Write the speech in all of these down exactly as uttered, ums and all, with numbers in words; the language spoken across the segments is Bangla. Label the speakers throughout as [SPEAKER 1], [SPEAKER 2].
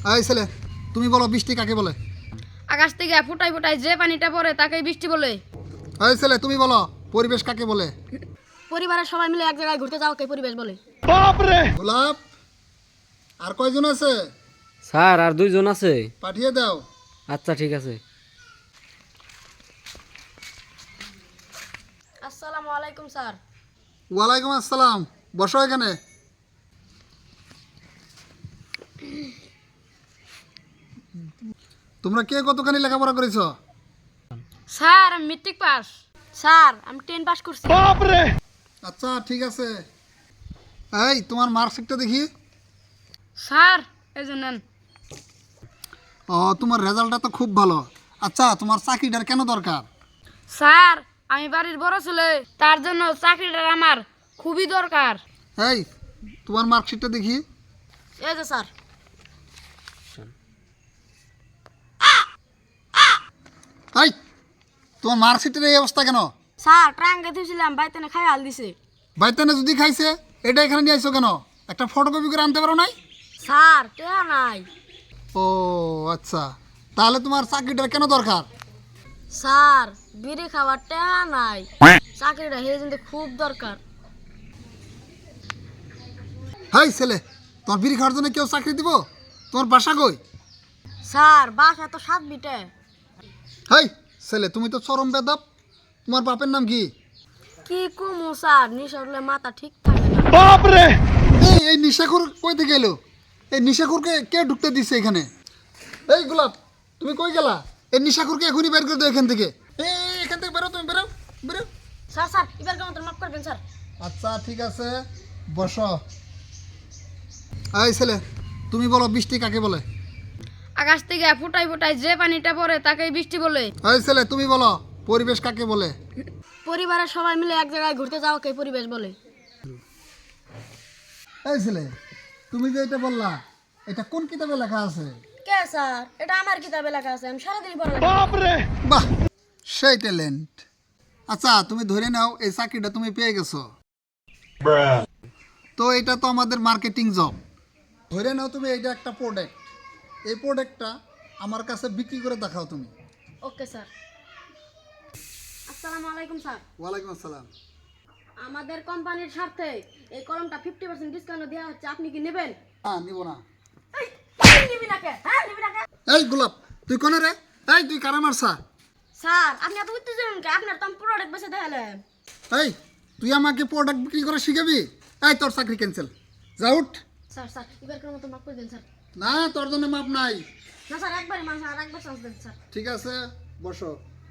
[SPEAKER 1] এই ছেলে তুমি বলো বৃষ্টি কাকে বলে?
[SPEAKER 2] আকাশ থেকে ফুটাই ফুটাই যে পানিটা পড়ে তাকেই বৃষ্টি বলে।
[SPEAKER 1] এই ছেলে তুমি বলো পরিবেশ কাকে বলে?
[SPEAKER 2] পরিবারের সবাই মিলে এক জায়গায় ঘুরতে যাওয়াকে পরিবেশ বলে।
[SPEAKER 1] গোলাপ আর কয়জন আছে?
[SPEAKER 3] স্যার আর দুইজন আছে।
[SPEAKER 1] পাঠিয়ে দাও।
[SPEAKER 3] আচ্ছা ঠিক আছে।
[SPEAKER 2] আসসালামু আলাইকুম স্যার।
[SPEAKER 1] ওয়ালাইকুম আসসালাম, বসো এখানে। তোমরা কে কতখানি লেখাপড়া করেছো?
[SPEAKER 2] স্যার আমি মেট্রিক পাস। স্যার আমি টেন পাস করছি।
[SPEAKER 1] আচ্ছা ঠিক আছে। এই তোমার মার্কশিটটা দেখি।
[SPEAKER 2] স্যার এই যে নেন।
[SPEAKER 1] ও তোমার রেজাল্টটা তো খুব ভালো। আচ্ছা তোমার চাকরিটার কেন দরকার?
[SPEAKER 2] স্যার আমি বাড়ির বড় ছেলে, তার জন্য চাকরিটা আমার খুবই দরকার।
[SPEAKER 1] এই তোমার মার্কশিটটা দেখি।
[SPEAKER 2] এই যে স্যার।
[SPEAKER 1] এই তোমার মার্কশিটের এই অবস্থা কেন?
[SPEAKER 2] স্যার ট্রাঙ্কে দিয়েছিলাম, বাইতে খাই হাল দিছে।
[SPEAKER 1] বাইতানে যদি খাইছে এটা এখানে নিয়ে আইছো কেন? একটা ফটোকপি করে আনতে পারো নাই?
[SPEAKER 2] স্যার টেহা নাই।
[SPEAKER 1] ও আচ্ছা, তাহলে তোমার চাকরিটার কেন দরকার?
[SPEAKER 2] স্যার বিড়ি খাওয়ার টেহা নাই, চাকরিটা হেরে যেতে খুব দরকার।
[SPEAKER 1] হাই ছেলে, তোমার বিড়ি খাওয়ার জন্য কেউ চাকরি দিব? তোমার বাসা কই?
[SPEAKER 2] স্যার বাসা তো সাত বিটে।
[SPEAKER 1] হাই ছেলে, তুমি তো চরম বেদব। তোমার বাপের নাম কি?
[SPEAKER 2] কি কুমু স্যার, নিশা হলে মাথা ঠিক থাকে না।
[SPEAKER 1] এই এই নিশাখুর কই থেকে এলো? এই নিশাখুরকে কে ঢুকতে দিচ্ছে এখানে? এই গোলাপ তুমি কই গেলা? এই নিশাখুরকে এখনই বের করে দাও এখান থেকে। এই এখান থেকে বেরো, তুমি বেরো বেরো।
[SPEAKER 2] স্যার স্যার এবার কেমন মাফ করবেন স্যার।
[SPEAKER 1] আচ্ছা ঠিক আছে, বসো। এই ছেলে তুমি বলো বৃষ্টি কাকে বলে?
[SPEAKER 2] আকাশ থেকে ফুটাই ফুটাই যে পানিটা পড়ে তাকেই বৃষ্টি বলে।
[SPEAKER 1] এই ছেলে তুমি বলো পরিবেশ কাকে বলে?
[SPEAKER 2] পরিবারের সবাই মিলে এক জায়গায় ঘুরতে যাওয়াকে পরিবেশ বলে।
[SPEAKER 1] এই ছেলে তুমি যে এটা বললা, এটা কোন কিতাবে লেখা আছে?
[SPEAKER 2] কে স্যার? এটা আমার কিতাবে লেখা আছে, আমি সারাদিন পড়া।
[SPEAKER 1] বাহ, সেই ট্যালেন্ট। আচ্ছা তুমি ধরে নাও এই চাকরিটা তুমি পেয়ে গেছো। তো এটা তো আমাদের মার্কেটিং জব। ধরে নাও তুমি এটা একটা প্রোডাক্ট, এই প্রোডাক্টটা আমার কাছে বিক্রি করে দেখাও তুমি।
[SPEAKER 2] Okay sir. আসসালামু আলাইকুম স্যার।
[SPEAKER 1] ওয়ালাইকুম আসসালাম।
[SPEAKER 2] আমাদের কোম্পানির স্বার্থে এই কলমটা ফিফটি পার্সেন্ট ডিসকাউন্ট দেওয়া হচ্ছে, আপনি কি নেবেন?
[SPEAKER 1] হ্যাঁ নিব না।
[SPEAKER 2] এই, তুই নিবি না কে? হ্যাঁ নিবি না কে?
[SPEAKER 1] এই গোলাপ তুই কোনে রে? এই তুই কারা মারছা?
[SPEAKER 2] স্যার আপনি এত উত্তেজন কে? আপনার তো আমি প্রোডাক্ট বেচে দেখালেন।
[SPEAKER 1] এই তুই আমাকে প্রোডাক্ট বিক্রি করে শিখাবি? এই তোর চাকরি ক্যান্সেল, যা উঠ।
[SPEAKER 2] স্যার স্যার এবার কোনো মতো মাফ করে দিন স্যার।
[SPEAKER 1] না তোর জন্য মাপ নাই।
[SPEAKER 2] না স্যার একবারই মানুষ আর একবার চান্স দেন স্যার।
[SPEAKER 1] ঠিক আছে বসো।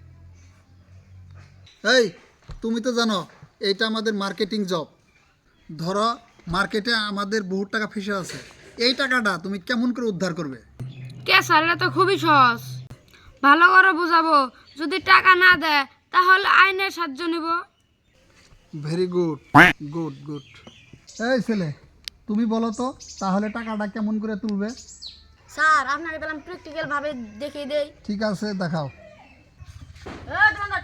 [SPEAKER 1] এই তুমি তো জানো এইটা আমাদের মার্কেটিং জব। ধরো মার্কেটে আমাদের বহুত টাকা ফেসে আছে, এই টাকাটা তুমি কেমন করে উদ্ধার করবে?
[SPEAKER 2] কে স্যার, এটা তো খুবই সহজ। ভালো করে বুঝাবো, যদি টাকা না দেয় তাহলে আইনের সাহায্য নিব।
[SPEAKER 1] Very good good good. এই ছেলে তুমি বলো তো তাহলে টাকাটা কেমন করে তুলবে?
[SPEAKER 2] স্যার আপনাকে তাহলে আমি প্র্যাকটিক্যাল ভাবে দেখিয়ে দেই।
[SPEAKER 1] ঠিক আছে দেখাও।
[SPEAKER 2] এই দোকানদার